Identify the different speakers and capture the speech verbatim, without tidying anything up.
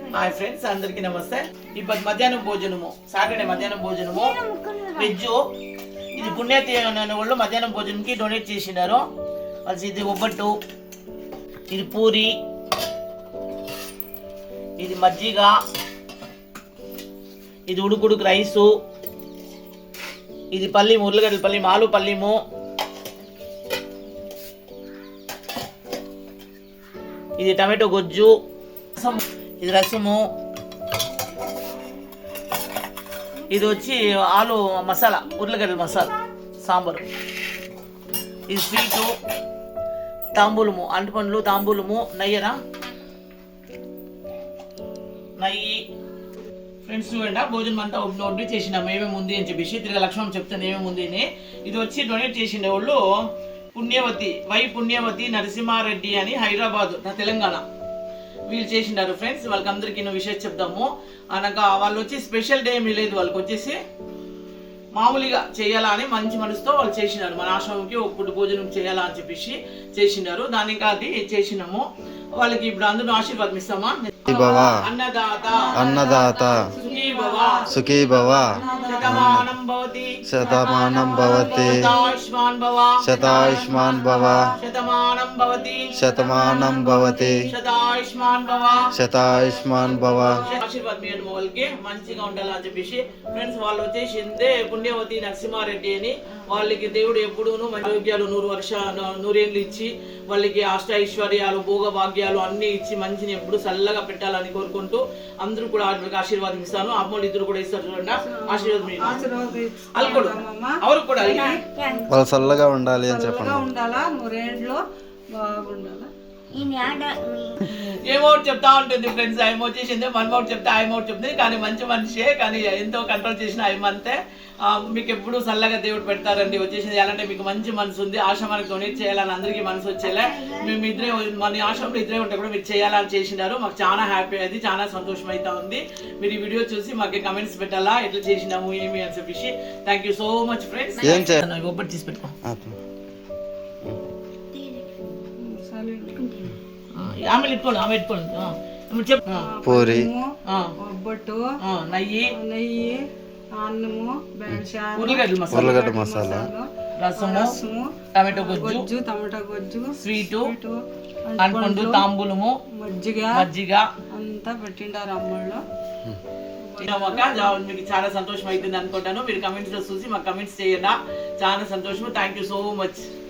Speaker 1: Hi friends, అందరికీ నమస్తే. ఇప్పుడు మధ్యాహ్నం భోజనము, సాటర్డే మధ్యాహ్నం భోజనము వెజ్. ఇది పుణ్యతి అనే వాళ్ళు మధ్యాహ్నం భోజనంకి డొనేట్ చేసినారు. అది ఇది ఒబ్బట్టు, ఇది పూరి, ఇది మజ్జిగ, ఇది ఉడుకుడుకు రైసు, ఇది పల్లి ఉర్లగడ్డల పల్లి మాలు పల్లిము, ఇది టమాటో గొజ్జు, ఇది రసము, ఇది వచ్చి ఆలు మసాలా ఉర్లగడ్డల మసాలా సాంబారు, ఇది స్వీటు, తాంబూలము అంటుపండ్లు తాంబూలము, నెయ్యరా నెయ్యి. ఫ్రెండ్స్ చూడండి, భోజనం అంతా వడ్డీ చేసినాము ఏమేమి ఉంది అని చెప్పేసి తిరిగి లక్ష్మణ్ చెప్తాను ఏమేమి ఉంది అని. ఇది వచ్చి డొనేట్ చేసిన వాళ్ళు పుణ్యవతి వై పుణ్యవతి నరసింహారెడ్డి అని హైదరాబాద్ నా తెలంగాణ వీళ్ళు చేసినారు. ఫ్రెండ్స్ వాళ్ళకి అందరికీ ఎన్నో విషయం చెప్దాము అనగా వాళ్ళు వచ్చి స్పెషల్ డే ఏమీ లేదు, వాళ్ళకి వచ్చేసి మామూలుగా చేయాలా అని మంచి మనసుతో వాళ్ళు చేసినారు. మన ఆశ్రమంకి ఒక పూట భోజనం చేయాలా అని చెప్పేసి చేసినారు. దానికి అది చేసినాము. వాళ్ళకి ఇప్పుడు అందరూ ఆశీర్వాదం ఇస్తామా. అన్నదాత
Speaker 2: అన్నదాత సుఖీ భవ
Speaker 1: శతమానం భవతి
Speaker 2: శతమానం భవతి
Speaker 1: శతాయుష్మాన్ భవ
Speaker 2: శతాయుష్మాన్ భవ
Speaker 1: శతమానం భవతి
Speaker 2: శతమానం భవతి
Speaker 1: శతాయుష్మాన్ భవ
Speaker 2: శతాయుష్మాన్ భవ.
Speaker 1: ఆశీర్వాదం ఇవ్వండి వాళ్ళకి మంచిగా ఉండాలి అని చెప్పేసి. ఫ్రెండ్స్ వాళ్ళు వచ్చేసిందే పుణ్యవతి నరసింహారెడ్డి అని. వాళ్ళకి దేవుడు ఎప్పుడూను ఆరోగ్యాలు నూరు వర్ష నూరేళ్ళు ఇచ్చి వాళ్ళకి అష్ట ఐశ్వర్యాలు భోగ భాగ్యాలు అన్ని ఇచ్చి మంచిని ఎప్పుడు చల్లగా పెట్టాలని కోరుకుంటూ అందరూ కూడా ఆశీర్వాదం ఇస్తాను. అమ్మోళ్ళు ఇద్దరు కూడా ఇస్తారు చూడండి, ఆశీర్వాదం అల్లుడు అవరు కూడా
Speaker 2: వాళ్ళు చల్లగా ఉండాలి అని చెప్పండి.
Speaker 3: ఉండాలా నూరేండ్లో బాగుండాలా.
Speaker 1: ఏమౌట్ చెప్తా ఉంటుంది ఫ్రెండ్స్. ఆయన వచ్చేసింది వన్ మౌట్ చెప్తే ఆయన మౌట్ చెప్తుంది. కానీ మంచి మనిషే, కానీ ఎంతో కంట్రోల్ చేసిన ఆయన అంతే. మీకు ఎప్పుడు చల్లగా దేవుడు పెడతారండి. వచ్చేసింది ఎలాంటి మీకు మంచి మనసు ఉంది, ఆశ్రమానికి డొనేట్ చేయాలని అందరికీ మనసు వచ్చేలా మేము ఇద్దరే మన ఆశ్రమంలో ఇద్దరే ఉంటే కూడా మీరు చేయాలని చేసినారు. మాకు చాలా హ్యాపీ అయింది, చాలా సంతోషం అయితే ఉంది. మీరు ఈ వీడియో చూసి మాకు కమెంట్స్ పెట్టాలా ఎట్లా చేసినాము ఏమి అని చెప్పేసి. Thank you so much friends. ఒబ్బటి తీసి పెట్టుకో, ఆమె పెట్టుకోండి ఆమె పెట్టుకోండి చెప్పు.
Speaker 2: పూరి,
Speaker 3: ఒబ్బట్టు,
Speaker 1: నెయ్యి
Speaker 3: నెయ్యి, అన్నము, బెండకాయ,
Speaker 1: ఉర్లగడ్డల మసాలా,
Speaker 2: ఉర్లగడ్డ మసాలా,
Speaker 1: రసము,
Speaker 3: రసము,
Speaker 1: టమాటో గొజ్జు,
Speaker 3: గొజ్జు టమాటా గొజ్జు,
Speaker 1: స్వీటు, అంటుపండు తాంబూలము,
Speaker 3: మజ్జిగ
Speaker 1: మజ్జిగ
Speaker 3: అంతా పెట్టిండారు అమ్మళ్ళు.
Speaker 1: మీకు చాలా సంతోషం అవుతుంది అనుకుంటాను. మీరు కమెంట్స్ లో చూసి మాకు కమెంట్స్ చేయండి. చాలా సంతోషం. Thank you so much.